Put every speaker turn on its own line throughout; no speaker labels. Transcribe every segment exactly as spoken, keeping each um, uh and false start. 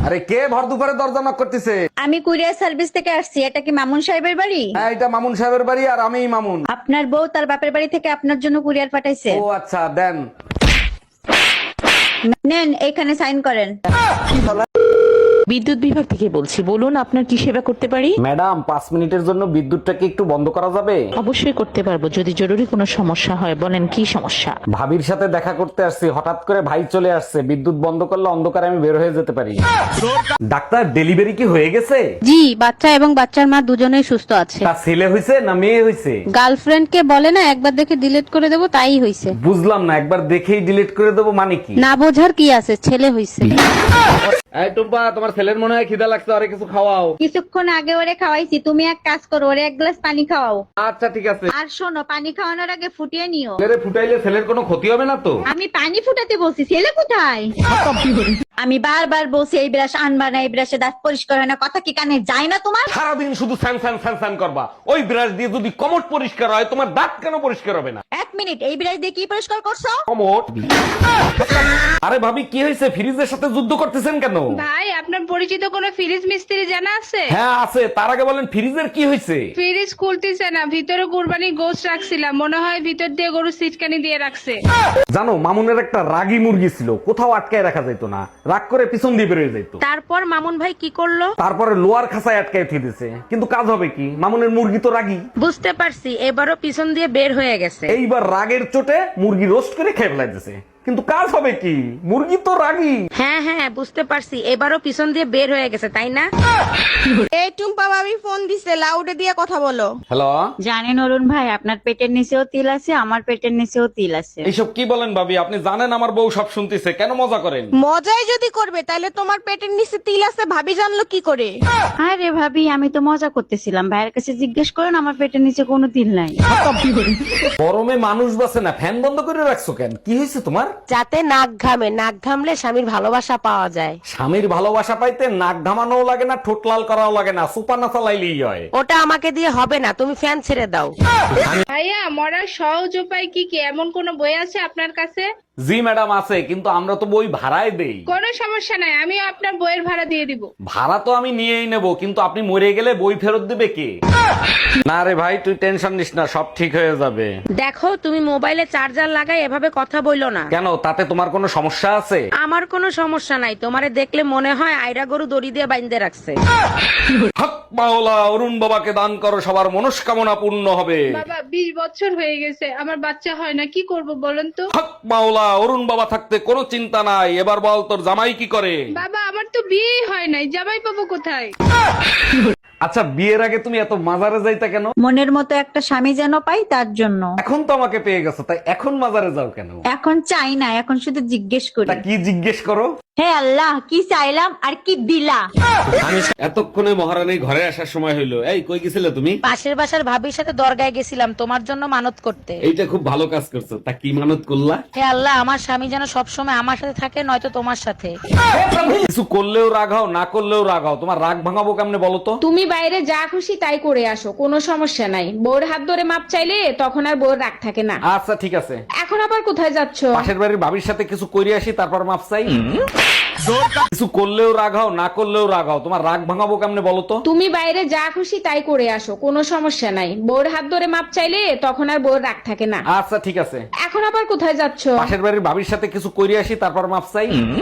আরে কে ভর দুপুরে দরজা knock করতেছে?
আমি কুরিয়ার সার্ভিস থেকে আসছি। এটা কি মামুন সাহেবের বাড়ি?
হ্যাঁ, এটা মামুন সাহেবের বাড়ি আর আমিই মামুন।
আপনার বউ তার বাপের বাড়ি থেকে আপনার জন্য কুরিয়ার পাঠাইছে।
ও আচ্ছা, দেন।
নেন, এখানে সাইন করেন।
বিদ্যুৎ বিভাগ থেকে বলছি, বলুন আপনার কি সেবা করতে পারি?
ম্যাডাম, পাঁচ মিনিটের জন্য বিদ্যুৎটাকে একটু বন্ধ করা যাবে?
অবশ্যই করতে পারবো, যদি জরুরি কোনো সমস্যা হয়। বলেন কি সমস্যা?
ভাবির সাথে দেখা করতে আসছি, হঠাৎ করে ভাই চলে আসছে। বিদ্যুৎ বন্ধ করলে অন্ধকারে আমি বের হয়ে যেতে পারি। ডাক্তার, ডেলিভারি কি হয়ে গেছে?
জি, বাচ্চা এবং বাচ্চার মা দুজনেই সুস্থ আছে।
তা ছেলে হইছে না মেয়ে হইছে?
গার্লফ্রেন্ড কে বলে না একবার দেখে ডিলিট করে দেবো, তাই হইছে।
বুঝলাম না, একবার দেখেই ডিলিট করে দেবো মানে কি?
না বোঝার কি আছে, ছেলে হইছে।
এই টুম্পা, তোমার ছেলের মনে হয় খিদা লাগছে, আরে কিছু খাওয়াও।
কিছুক্ষণ আগে ওরে খাওয়াইছি, তুমি এক কাজ করো, ওরে এক গ্লাস পানি খাওয়াও।
আচ্ছা ঠিক আছে।
আর শোনো, পানি খাওয়ানোর আগে ফুটিয়ে নিও।
ছেলেরে ফুটাইলে ছেলের কোনো ক্ষতি হবে না তো?
আমি পানি ফুটাতে বলছি, ছেলে কোথায়? আমি বারবার বলছি এই ব্রাশ আনবা না, এই ব্রাশে দাঁত পরিষ্কার হয় না, কথা কি কানে যায় না তোমার?
সারাদিন শুধু স্যান স্যান স্যান স্যান করবা। ওই ব্রাশ দিয়ে যদি কমট পরিষ্কার হয়, তোমার দাঁত কেন পরিষ্কার হবে না?
এক মিনিট, এই ব্রাশ দিয়ে কি পরিষ্কার করছো?
কমট। আরে ভাবি, কি হয়েছে? ফ্রিজের সাথে যুদ্ধ করতেছেন কেন?
ভাই, আপনার পরিচিত কোনো ফ্রিজ মিস্ত্রি জানা আছে?
হ্যাঁ আছে, তার আগে বলেন ফ্রিজের কি হয়েছে?
ফ্রিজ খুলতেছে না, ভিতরে কুরবানি গোশত রাখছিলাম, মনে হয় ভিতর দিয়ে গরু সিটকানি দিয়ে রাখছে।
জানো, মামুনের একটা রাগী মুরগি ছিল, কোথাও আটকায় রাখা যেত না, রাগ করে পিছন দিয়ে বেরোয় যেত।
তারপর মামুন ভাই কি করলো?
তারপরে লোয়ার খাঁচায় আটকায় উঠিয়ে দিছে, কিন্তু কাজ হবে কি? মামুনের মুরগি তো রাগী।
বুঝতে পারছি, এবারও পিছন দিয়ে বের হয়ে গেছে।
এইবার রাগের চোটে মুরগি রোস্ট করে খেয়ে ফেলাইতেছে, কিন্তু কাজ হবে কি? মুরগি তো রাগী।
হ্যাঁ হ্যাঁ, বুঝতে পারছি, এবারও পিছন দিয়ে বের হয়ে গেছে, তাই না?
এই টুম্পা ভাবি ফোন দিছে, লাউডে দিয়ে কথা বলো।
হ্যালো,
জানেন অরুণ ভাই, আপনার পেটের নিচেও তিল আছে, আমার পেটের নিচেও তিল আছে।
এইসব কি বলেন ভাবি? আপনি জানেন আমার বউ সব শুনতেছে, কেন মজা করেন?
মজাই যদি করবে তাহলে তোমার পেটের নিচে তিল আছে ভাবি জানলো কি করে?
আরে ভাবি, আমি তো মজা করতেছিলাম, ভাইয়ের কাছে জিজ্ঞেস করেন, আমার পেটের নিচে কোনো তিল নাই।
গরমে মানুষ বাঁচে না, ফ্যান বন্ধ করে রাখছো কেন? কি হয়েছে তোমার?
যাতে নাক ঘামে, নাক ঘামলে স্বামীর ভালোবাসা পাওয়া যায়।
স্বামীর ভালোবাসা পাইতে নাক ঘামানোও লাগে না, ঠোঁট লাল করাও লাগে না, সুপার না চালাইলেই হয়।
ওটা আমাকে দিয়ে হবে না, তুমি ফ্যান ছেড়ে দাও।
ভাইয়া, মরার সহজ উপায় কি কি? এমন কোন বই আছে আপনার কাছে?
জি ম্যাডাম আছে, কিন্তু আমরা তো বই ভাড়ায় দেই।
কোনো সমস্যা নাই, আমি আপনার বইয়ের ভাড়া দিয়ে দিব।
ভাড়া তো আমি নিয়েই নেব, কিন্তু আপনি মরে গেলে বই ফেরত দেবে কে? না রে ভাই, তুই টেনশন নিস না, সব ঠিক হয়ে যাবে।
দেখো, তুমি মোবাইলে চার্জার লাগাই এভাবে কথা বইলো না।
কেন, তাতে তোমার কোনো সমস্যা আছে?
আমার কোনো সমস্যা নাই, তোমারে দেখলে মনে হয় আইরা গরু দড়ি দিয়ে বাইন্ধে রাখছে।
হক মাওলা, অরুণ বাবাকে দান করো, সবার মনস্কামনা পূর্ণ হবে।
বাবা, বিশ বছর হয়ে গেছে, আমার বাচ্চা হয় না, কি করব বলেন তো?
হক মাওলা, অরুণ বাবা থাকতে কোনো চিন্তা নাই। এবার বল, তোর জামাই কি করে?
বাবা, আমার তো বিয়েই হয় নাই, জামাই পাবো কোথায়?
আচ্ছা, বিয়ের আগে তুমি এত মাজারে যাইতা কেন?
মনের মতো একটা স্বামী যেন পাই, তার জন্য।
এখন তো আমাকে পেয়ে গেছো, তাই এখন মাজারে যাও কেন?
এখন চাই না, এখন শুধু জিজ্ঞেস করি।
তা কি জিজ্ঞেস করো?
হে আল্লাহ, কি চাইলাম আর কি দিলা?
এতক্ষণে মহারানীর ঘরে আসার সময় হইলো। এই, কই গেছিলে তুমি?
পাশের বাসার ভাবির সাথে দরগায় গেছিলাম তোমার জন্য মানত করতে।
এইটা খুব ভালো কাজ করছো। তা কি মানত করলা?
হে আল্লাহ, আমার স্বামী যেন সবসময় আমার সাথে থাকে, নয়তো তোমার সাথে।
কিছু করলেও রাগ হও, না করলেও রাগ হও, তোমার রাগ ভাঙাবো কেমনে বলো তো?
তুমি বাইরে যা খুশি তাই করে আসো, কোনো সমস্যা নাই। বউর হাত ধরে মাপ চাইলে তখন আর বউর রাগ থাকে না।
আচ্ছা ঠিক আছে।
এখন আবার কোথায় যাচ্ছ?
পাশের বাড়ির ভাবির সাথে কিছু করে আসি, তারপর মাপ চাই। কিছু করলেও রাগ হও, না করলেও রাগ হও, তোমার রাগ ভাঙাবো কেমনে বলো তো?
তুমি বাইরে যা খুশি তাই করে আসো, কোনো সমস্যা নাই। বউর হাত ধরে মাপ চাইলে তখন আর বউর রাগ থাকে না।
আচ্ছা ঠিক আছে।
এখন আবার কোথায় যাচ্ছ?
পাশের বাড়ির ভাবির সাথে কিছু করে আসি, তারপর মাপ চাই।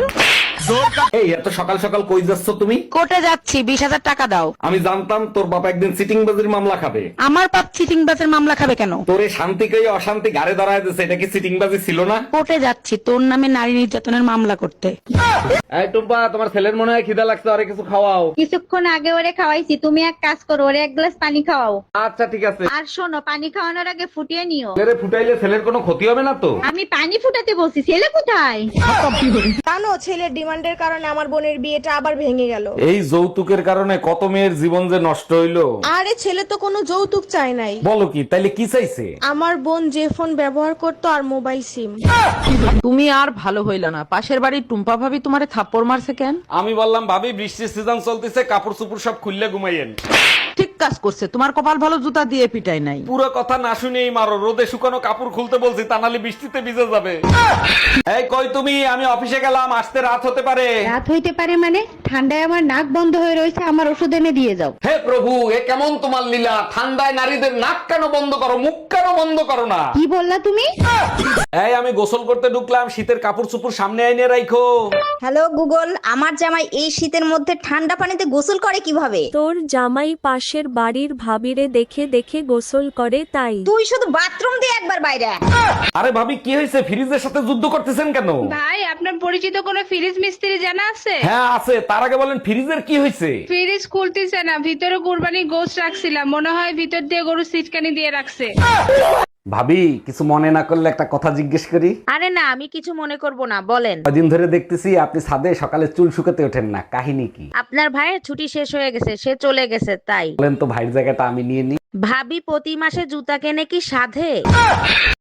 এই, এত সকাল সকাল কই যাচ্ছ তুমি?
কোর্টে যাচ্ছি, বিশ হাজার টাকা দাও।
আমি জানতাম তোর বাবা একদিন সিটিং বাজির মামলা খাবে।
আমার পাপ চিটিং বাসের মামলা খাবে কেন?
তোরে শান্তিকে অশান্তি গাড়ে দাঁড়ায় দিচ্ছে, এটা কি সিটিং বাজি ছিল না?
কোর্টে যাচ্ছি তোর নামে নারী নির্যাতনের মামলা করতে।
এই টুম্পা, তোমার ছেলের মনে হয় খিদা লাগছে, আরে কিছু খাওয়াও।
কিছুক্ষণ আগে ওরে খাওয়াইছি, তুমি এক কাজ করো, ওরে এক গ্লাস পানি খাওয়াও।
আচ্ছা ঠিক আছে।
আর শোনো, পানি খাওয়ানোর আগে ফুটিয়ে নিও।
ছেলেরে ফুটাইলে ছেলের কোনো ক্ষতি হবে না তো?
আমি পানি ফুটাতে বলছি, ছেলে কোথায়?
জানো, ছেলের ডিমান্ডের কারণে আমার বোনের বিয়েটা আবার ভেঙে গেল।
এই যৌতুকের কারণে কত মেয়ের জীবন যে নষ্ট হইলো।
আরে ছেলে তো কোনো যৌতুক চায় নাই।
বলো কি, তাইলে কি চাইছে?
আমার বোন যে ফোন ব্যবহার করতো আর মোবাইল সিম।
তুমি আর ভালো হইলা না, পাশের বাড়ির টুম্পা ভাবি তোমারে থাপ্পড় মারছে কেন?
আমি বললাম ভাবি, বৃষ্টির সিজন চলতেছে, কাপড় চুপড় সব খুললে ঘুমাইয়েন।
ঠিক কাজ করছে, তোমার কপাল ভালো জুতা দিয়ে পিটাই নাই।
পুরো কথা না শুনেই মারো, রোদে শুকানো কাপড় খুলতে বলছি, তা নাহলে বৃষ্টিতে ভিজে যাবে। এই কই তুমি? আমি অফিসে গেলাম, আসতে রাত হতে পারে।
রাত হইতে পারে মানে? ঠান্ডায় আমার নাক বন্ধ হয়ে রয়েছে, আমার ওষুধ এনে দিয়ে যাও।
হে প্রভু, এ কেমন তোমার লীলা? ঠান্ডায় নারীদের নাক কেন বন্ধ করো, মুখ কেন বন্ধ করো না?
কি বললা তুমি?
এই আমি গোসল করতে ঢুকলাম, শীতের কাপড় চোপড় সামনে আইনে রাখো।
হ্যালো গুগল, আমার জামাই এই শীতের মধ্যে ঠান্ডা পানিতে গোসল করে কিভাবে?
তোর জামাই পাশের বাড়ির ভাবিরে দেখে দেখে গোসল করে তাই।
তুই শুধু বাথরুম দিয়ে একবার বাইরে আয়।
আরে ভাবি কি হয়েছে? ফ্রিজের সাথে যুদ্ধ করতেছেন কেন?
ভাই, আপনার পরিচিত কোনো ফ্রিজ মিস্ত্রি জানা আছে?
হ্যাঁ আছে, তার আগে বলেন ফ্রিজের কি হয়েছে?
ফ্রিজ খুলতেছে না, ভিতরে কুরবানি গোশ রাখছিলাম, মনে হয় ভিতর দিয়ে গরু সিটকানি দিয়ে রাখছে।
ভাবি কিছু মনে না করলে একটা কথা জিজ্ঞেস করি।
আরে না, আমি কিছু মনে করব না, বলেন।
কদিন ধরে দেখতেছি আপনি ছাদে সকালে চুল শুকাতে ওঠেন না, কাহিনী কি?
আপনার ভাইয়ের ছুটি শেষ হয়ে গেছে, সে চলে গেছে তাই।
বলেন তো ভাইয়ের জায়গাটা আমি নিয়ে নিই।
ভাবি প্রতি মাসে জুতা কেনে কি সাধে?